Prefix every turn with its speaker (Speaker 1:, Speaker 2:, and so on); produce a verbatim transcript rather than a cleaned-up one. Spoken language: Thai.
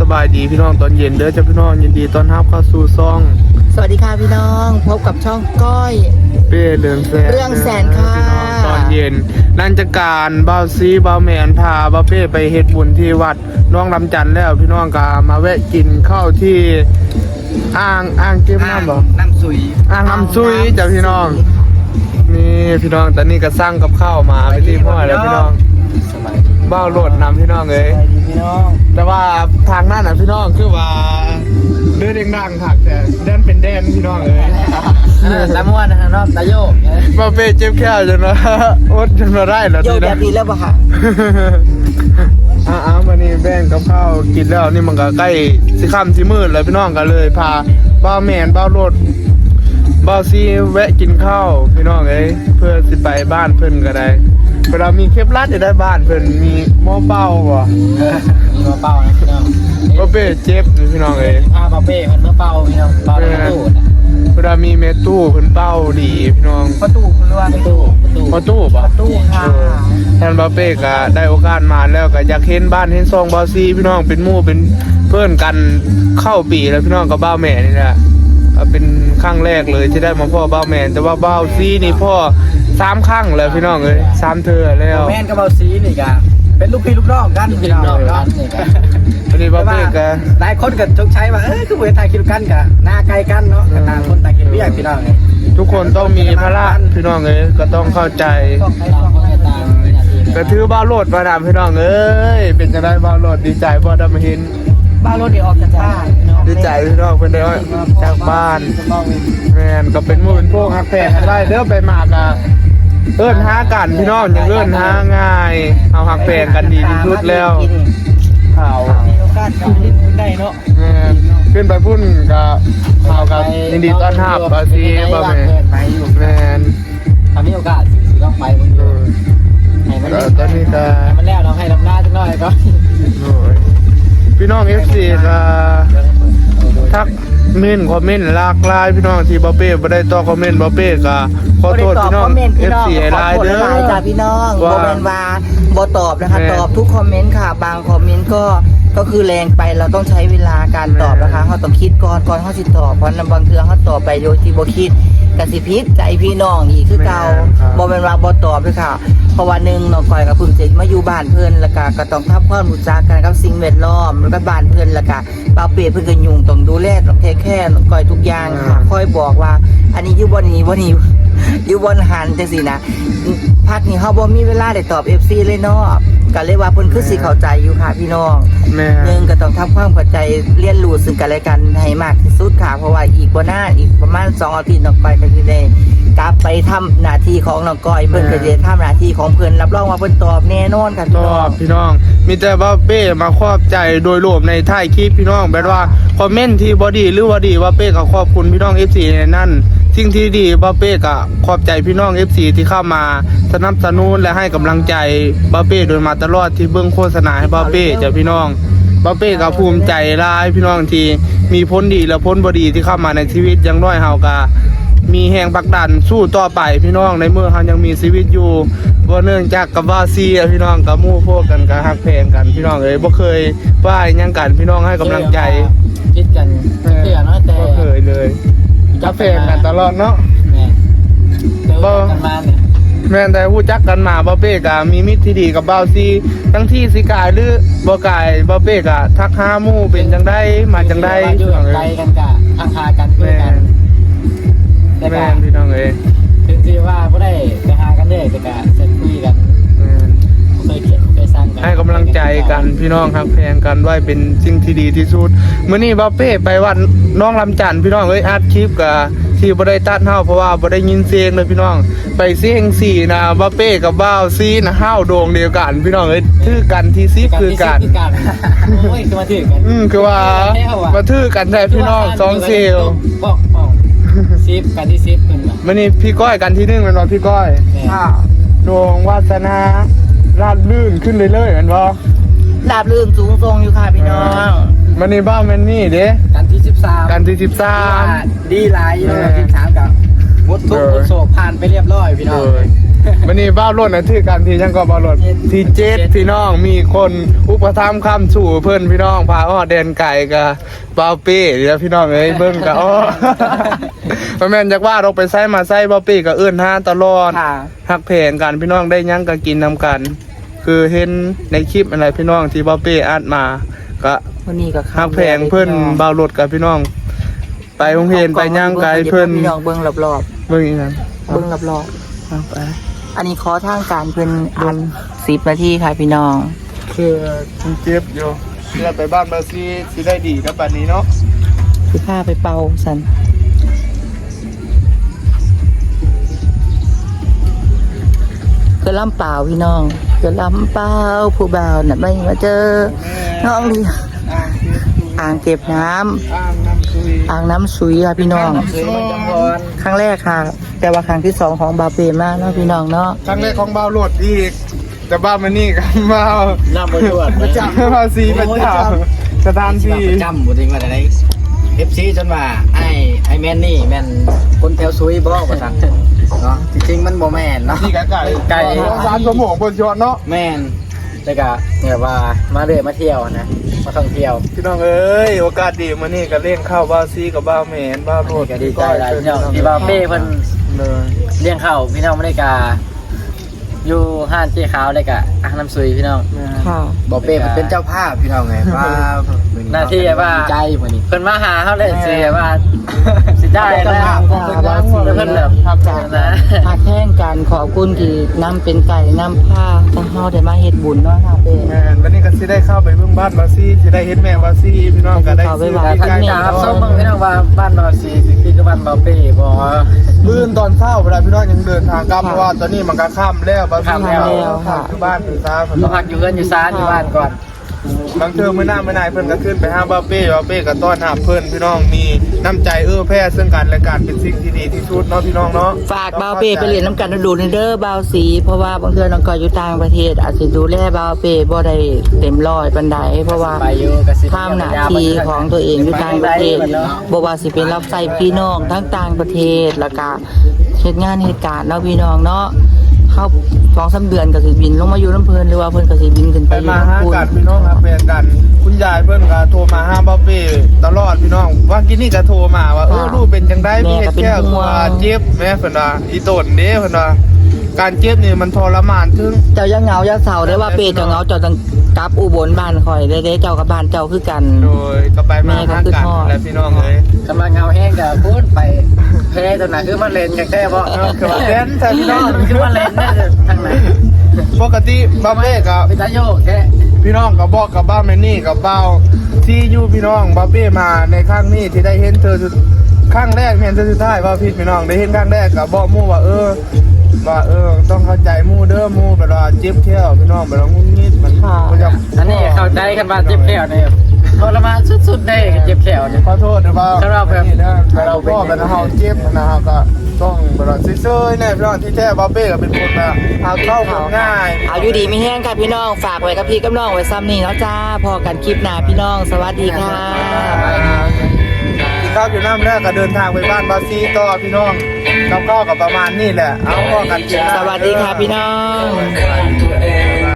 Speaker 1: บายดีพี่น้องตอนเย็นเด้อจ้าพี่น้องยินดีต้อนรับเข้าสู่ซ่อง
Speaker 2: สวัสดีค่ะพี่น้องพบกับช่องก้อย
Speaker 1: เป้เรื่องแสน
Speaker 2: เรื่องแสนค่ะ
Speaker 1: ตอนเย็นนั่นจะการเบาซีเบาแมนพาเบาเป้ไปเฮ็ดบุญที่วัดน้องลำจันแล้วพี่น้องก็มาแวะกินข้าวที่อ่างอ่างเก็บน้ำบ่
Speaker 3: น้ำซุย
Speaker 1: อ่างน้ำซุยจ้าพี่น้องนี่พี่น้องตอนนี้ก็สั่งกับข้าวมาไปที่พ่อแล้วพี่น้องเบ้าโหลดนำพี่น้องเลยแต่ว่าทางนั้นน่ะพี่น้องคือว่าเดินดังๆถักแต่แดนเป็นแดนพี่น้องเลย
Speaker 3: ตะม้วนนะครับตะโยก
Speaker 1: มาเป้เจ็บแค่จนว่าอดจนมาได้แล้ว
Speaker 2: โย
Speaker 1: ที
Speaker 2: กแบ
Speaker 1: นะ
Speaker 2: บนี้แล้วป่ะค่ะ
Speaker 1: อ้าววันนี้แบ่งกับข้าวกินแล้วนี่มันก็ใกล้สิค่ำสิมืดแล้วพี่น้องก็เลยพาบ้าแมนบ้าโหลดบ้าซีแวะกินข้าวพี่น้องเอ้ยเพื่อสิไปบ้านเพิ่นก็ได้เวลามีเคปลัดจะได้บ้านเพิ่นมีหม้อเป้าบ่
Speaker 3: มีหม้อเป้านะพี่น้อง
Speaker 1: บ่เป้เจ็บพี่น้องเอ้ย
Speaker 3: อ่าบ่เป้มันหม้อเป้าพี่น้องเป้าในตู้
Speaker 1: เวลามีเมตู้เพิ่นเป้าดีพี่น้อง
Speaker 2: ประตูคุณว่า
Speaker 3: ประตู
Speaker 1: ประตูป่ะ
Speaker 2: ประตูค่ะ
Speaker 1: ท่านบ่เป้ก็ได้โอกาสมาแล้วก็อยากเห็นบ้านเห็นซองบ่ซีพี่น้องเป็นหมู่เป็นเพื่อนกันเข้าปีแล้วพี่น้องกับบ้าแม่นี่แหละเป็นครั้งแรกเลยที่ได้มาพ่อบ้าแม่แต่ว่าบ้าซีนี่พ่อสามครั้งแล้วพี่น้องเอ้ยสามเธอแล้ว
Speaker 3: แม่นกับเบาซีนี่ก็เป็นลูกพี่ลูกน้องกันพี่น้องกันนี่ก็
Speaker 1: วันนี้บ้าเป้ก็
Speaker 3: หลายคนก็ชกใช้ว่าเอ้ยคือเวทายคิดกันก็หน้าไกลกันเนาะก็ต่างคนต่างคิดเรียกพี่น้อง
Speaker 1: ทุกคนต้องมีภาระพี่น้องเอ้ยก็ต้องเข้าใจก็ถือบ้าโหลดมาดามพี่น้องเอ้ยเป็นจะได้บ้าโหลดดีใจบ่ได้มาเห็น
Speaker 2: บ้านรถเดี๋ยวออกจากบ้าน
Speaker 1: ดีใจพี่น้องเพิ่นได้จากบ้านแม่นก็เป็นหมู่เป็นพวกฮักแพงได้เด้อไปมากะเอิ้นหากันพี่น้องอย่างเอิ้นหาง่ายเอาฮักแพงกันดีที่สุดแล้วข่าว
Speaker 2: มีโอกาสกับลิ้นได้เนาะ
Speaker 1: แม่นขึ้นไปพุ่นก็ข่าวกับยินดีต้อนรับบาซีบ่แม่แม่น
Speaker 3: ถ้ามีโอกาสสิต้องไปมื้อนี้ให้มัน
Speaker 1: ตอนนี้ก็
Speaker 3: มันแล้วเนาะให้รับหน้าจังหน่อยก็
Speaker 1: โอ้ยพี่น้อง เอฟ ซี ก็ทักเม่นคอมเมนต์หลากหลายพี่น้องที่บ่เป้บ่ได้ตอบคอมเมนต์บ่เป้ก็ขอโทษพี่น้อง เอฟ ซี หลายเด้อ
Speaker 2: จ้าพี่น้องบ่แม่นว่าบ่ตอบนะคะตอบทุกคอมเมนต์ค่ะบางคอมเมนต์ก็ก็คือแรงไปเราต้องใช้เวลาการตอบนะคะเฮาต้องคิดก่อนก่อนเฮาสิตอบเพราะบางเทื่อเฮาตอบไปโดยที่บ่คิดก็สิผิดใจพี่น้องอีกคือเก่าบ่แม่นว่าบ่ตอบด้วยค่ะเพราะว่าหนึ่งน้องก้อยกับเพิ่งจะมาอยู่บ้านเพิ่นแล้วก็ก็ต้องทำความรู้จักกันกับสิ่งแวดล้อมแล้วก็บ้านเพิ่นแล้วก็บ่าวเป้เพิ่นก็ยุ่งต้องดูแลต้องเทคแคร์น้องก้อยทุกอย่างค่ะคอยบอกว่าอันนี้อยู่บ่นี้บ่นี้อยู่บ่หันจังซี่นะพักนี้เฮาบ่มีเวลาได้ตอบ เอฟ ซี เลยเนาะก็เลยว่าเพิ่นคือสิเข้าใจอยู่ค่ะพี่น้องหนึ่งก็ต้องทำความเข้าใจเรียนรู้ซึ่งกันและกันให้มากที่สุดค่ะเพราะว่าอีกบ่นานอีกประมาณสองอาทิตย์น้องก้อยก็สิได้กลับไปทำหน้าที่ของน้องก้อยเพิ่นก็จะทำหน้าที่ของเพิ่นรับรองว่าเพิ่นตอบแน่นอนค่ะพี่น้อง
Speaker 1: พี่น้องมีแต่ว่าเป้มาขอบใจโดยรวมในท้ายคลิปพี่น้องแบบว่าคอมเมนต์ที่บ่ดีหรือว่าดีว่าเป้ก็ขอบคุณพี่น้อง เอฟ ซี ในนั้นสิ่งที่ดีบ่เป้ก็ขอบใจพี่น้อง เอฟ ซี ที่เข้ามาสนับสนุนและให้กำลังใจบ่เป้โดยมาตลอดที่เบิ่งโฆษณาให้บ่เป้จ้ะพี่น้องบ่เป้ก็ภูมิใจหลายพี่น้องที่มีผลดีและผลบ่ดีที่เข้ามาในชีวิตอย่างน้อยเฮาก็มีแห่งผลักดันสู้ต่อไปพี่น้องในเมื่อเขายังมีชีวิตอยู่บ่เนื่องจากกับว่าซีพี่น้องกับหมู่พวกกันกับฮักแพงกันพี่น้องเอ้ยบ่เคยว่าหยังกันพี่น้องให้กำลังใจ
Speaker 3: คิดกันเสียเนาะแต่
Speaker 1: บ่เคยเลยฮักแพงกันตลอดเนาะ
Speaker 3: บ่กันมาเนี่ย
Speaker 1: แม่นแต่ฮู้จักกันมาบ่เป้ก็มีมิตรที่ดีกับบ่าวซีทั้งที่สิกายหรือบ่กายบ่เป้ก็ทักหาหมู่เป็นจังได๋มาจังได๋
Speaker 3: อยู่ไกลกันกะทักหากันคุยกัน
Speaker 1: แม่พี่น้องเอ้ย
Speaker 3: ถึงที่ว่าบ่ได้ไปหากันเด้แต่ก็จะคุยกันเคยเขียนเคยสร้างกัน
Speaker 1: ให้กำลังใจกันพี่น้องฮักแพงกันไว้เป็นสิ่งที่ดีที่สุดมื้อนี้บ่าวเป้ไปวัดน้องลำจันทร์พี่น้องเอ้ยอัดคลิปก็ที่บ่ได้ตัดเฮาเพราะว่าบ่ได้ยินเสียงเลยพี่น้องไปเสียงสี่นะบ่าวเป้กับบ่าวซีนะเฮาโด่งเดียวกันพี่น้องเอ้ยถือกันที่สิบคือกัน
Speaker 3: โอ้ยคือมาถือกัน
Speaker 1: อืมคือว่ามาถือกันได้พี่น้องสองเซล
Speaker 3: บอกสิบกันที่สิบเป็นแบบ
Speaker 1: มื้อนี้พี่ก้อยกันที่หนึ่งเป็นบ่พี่ก้อย
Speaker 2: ค่ะ
Speaker 1: ดวงวาสนาราบลื่นขึ้นเรื่อยๆแม่นบ่
Speaker 2: ราบลื่นสูงทรงอยู่ค่ะพี่น้อง
Speaker 1: มื้อนี้บ้าแม่นนี่เด้
Speaker 3: กันที่สิบสาม
Speaker 1: กันที่สิบสาม
Speaker 3: ดีหลายอยู่สิบสามกับวัตถุโศกผ่านไปเรียบร้อยพี่น้อง
Speaker 1: วันนี้บ้าวรถนะที่กันที่ยังก็บ้าวรถที่เจ็ดพี่น้องมีคนอุปถัมภ์คำสู่เพื่อนพี่น้องพาอ้อแดนไก่กับบ้าวเป้เดี๋ยวพี่น้องเอ้ยเบิ้งกับอ้อพระแม่นจากว่าเราไปไส้มาไส้บ้าวเป้กับเอื้อนห้าตลอด
Speaker 2: ค่ะ
Speaker 1: หักแพงกันพี่น้องได้หยังก็กินนำกัน คือเห็นในคลิปอะไรพี่น้องที่บ้าวเป้อัดมาก็
Speaker 2: วันนี้ก็
Speaker 1: หักแพงเพื่อนบ้าวรถกับพี่น้อง ไปโรงเรียนไปย่างไกลเพื่อน
Speaker 2: พี่น้องเบิ่งรอบ
Speaker 1: เบิ่งอีกนั้น
Speaker 2: ๆเบิ่งรอบ
Speaker 1: เอาไป
Speaker 2: ๆอันนี้ขอทางการเพิ่นอันสิบนาทีค่ะพี่น้อง
Speaker 1: คือคุณเจ็บอยู่เพื่อไปบ้านบาซีสิได้ดีกับบัดนี้เนาะ
Speaker 2: คือพาไปเป่าสันคือลำเปล่าพี่น้องคือลำเปล่าผู้บ่าวน่ะไม่มาเจอน้องลีอ่างเก็บน้ำ
Speaker 1: อ่างน้ำซุย
Speaker 2: อ่างน้ำสุยค่ะพี่น้อง
Speaker 3: เคยมันจังพร
Speaker 2: ครั้งแรกค่ะ แต่ว่าครั้งที่สองของบาเปมากเนาะพี่น้องเนาะ
Speaker 1: ครั้งแรกของบ้าวโหลดอีก แต่บ้าวมานี่กับบ้าว
Speaker 3: น้ำบ่ยวด
Speaker 1: ประจำภาษีประจำสถานที่
Speaker 3: ประจำบ่จริงว่าได้เอฟซีจนว่าไอ้ไอ้แม่นนี่แม่นคนแถวซุยบ่ว่าซั่นเนาะจริงๆมันบ่แม่นเนาะ
Speaker 1: ที่ไก่ไก่
Speaker 3: ไก่
Speaker 1: ร้านสมองบนยอดเนาะ
Speaker 3: แม่นแต่ก็เนี่ยว่ามาเรื่อยมาเที่ยวนะมาท่องเที่ยว
Speaker 1: พี่น้องเอ้ยโอกาสดีมานี่ก็เล่งเข้าบ้าวซีกับบ้าวแมนบ้าวโหลด
Speaker 3: ก็ดีใจหลายพี่น้องที่ว่าเป้เพิ่น
Speaker 1: เลย
Speaker 3: เลี้ยงข้าวพี่น้องไม่ได้กาอยู่ห้านเจ๊ขาวเลยกะอ่างน้ำซุยพี่น้อง
Speaker 2: ค่ะ
Speaker 3: บอกเป้มันเป็นเจ้าภาพพี่น้องไงว่าหน้าที่ว่าใจเหมือนนี้เพิ่นมาหาเขาเลยสิว่าสิได้แล้วเพิ่นแบบ
Speaker 1: ครับ
Speaker 3: นะ
Speaker 2: หาแท่งกันขอบคุณที่นำเป็นไก่นำผ้าถ้าเฮาได้มาเฮ็ดบุญเนาะค่ะเป้
Speaker 1: แมนวันนี้ก็สิได้เข้าไปเบิ่งบ้านบาซีสิได้เห็นแม่บาซีพี่น้องก็ได้ซื้อ
Speaker 2: เข้าไปไหว้
Speaker 1: ใกล้
Speaker 3: ครับส้มเบิ่งพี่น้องว่าบ้านนอซีคือกับบ้านเบาเป้บ่
Speaker 1: มื้อตอนเช้าเวลาพี่น้องยังเดินทางกลับเพราะว่าตอนนี้มันก็ค่ำแล้วบาซี
Speaker 3: ค่ำแล้ว
Speaker 1: คือบ้านคือซ่า
Speaker 3: มาพักอยู่เพื่อนอยู่ซ่านอยู่บ้านก่อน
Speaker 1: บางเทอมื้อหน้ามื้อไหนเพิ่นก็ขึ้นไปหาบาเป้บาเป้ก็ต้อนรับเพิ่นพี่น้องมีน้ำใจเอื้อแผ่ซึ่งกันและกันเป็นสิ่งที่ดีที่สุดเนาะพี่น้องเนาะ
Speaker 2: ฝากบาวเป้ไปเรียนน้ำกันดูในเด้อบาวสีเพราะว่าบางเทื่อน้องก็อยู่ต่างประเทศ อาจสิดูแลบาวเป้บ่ได้เต็มร้อยปานใดเพราะว่า
Speaker 3: ไปอยู่กับสิ
Speaker 2: ทำหน้าที่ของตัวเองอยู่ต่างประเทศบ่ว่าสิเป็นรับใช้พี่น้องทั้งต่างประเทศแล้วก็เฮ็ดงานเหตุการณ์เนาะพี่น้องเนาะเข้าสองสามเดือนก็สิบินลงมาอยู่น้ำเพลินหรือว่าเพิ่นก็สิบินขึ้นไป
Speaker 1: ไป
Speaker 2: อยู่
Speaker 1: มา
Speaker 2: น้ำ
Speaker 1: หา
Speaker 2: พุน
Speaker 1: กันพี่น้องครับเป็นกัน คุณยายเพิ่นก็โทรมาหาบาเป้ตลอดพี่น้องว่ากินนี่ก็โทรมาว่าเออลูกเป็นจังได๋พี่เฮ็ดแค่ว่าเจ็บแม่เพิ่นว่าอีต้นเด้เพิ่นว่าการเจ็บนี่มันทรมานถึง
Speaker 2: เจ้าอย่าเหงาอย่าเศร้าได้อว่าเป้เจ้าเหงาเจ้าต้องกลับอุบลบ้านข่อยได้เด้เจ้ากับบ้านเจ้าคือกัน
Speaker 1: โดยก็ไปมาหากันและพี่น้องเอ้ย
Speaker 3: กำลังเงาแห้งกับพูดไปเพลตัวไหนคือมันเลนกันแค่บ่
Speaker 1: คือว่าแดนใช่พี่น้อง
Speaker 3: คือมันเลนได้ทางไหน
Speaker 1: ปกติบาเป้กับ
Speaker 3: พิทาโยกแค่
Speaker 1: พี่น้องกับบอกกับบ้าแมนนี่กับเบ้าที่อยู่พี่น้องบาเป้มาในครั้งนี้ที่ได้เห็นเธอสุดครั้งแรกเห็นเธอสุดท้ายว่าพี่พี่น้องได้เห็นครั้งแรกกับบอกมู่ว่าเออว่าเออต้องเข้าใจมู่เด้อมู่แบบว่าเจ็บแค่พี่น้องแบบว่างุ้งงิดมันก็จะ
Speaker 3: อันนี้เข้าใจกันว่าเจ็บแขวเนี่ยทรมานสุดๆได้เจ็บแขวเนี่ย
Speaker 1: ขอโทษนะว่า
Speaker 3: ถ้าเราแบบ
Speaker 1: นี่นะ
Speaker 3: ถ้าเรา
Speaker 1: เรา
Speaker 3: เป็น
Speaker 1: ก็เป็นเฮาเจ็บนะครับก็ต้องแบบว่าซื่อๆแน่พี่น้องที่แท้บาเป้ก็เป็นคนแบบเอาเข้าคนง่าย
Speaker 2: เอาอยู่ดีไม่แห้งค่ะพี่น้องฝากไว้กับพี่กับน้องไว้ซ้ำนี่เนาะจ้าพอกันคลิปหน้าพี่น้องสวัสดีค่ะ
Speaker 1: กินข้าวอยู่น้ำแรกก็เดินทางไปบ้านบาซีต่อพี่น้องกับข้าวกับประมาณนี่แหละ เอาพ่อกันกิน
Speaker 2: สวัสดีค่ะพี่น้อง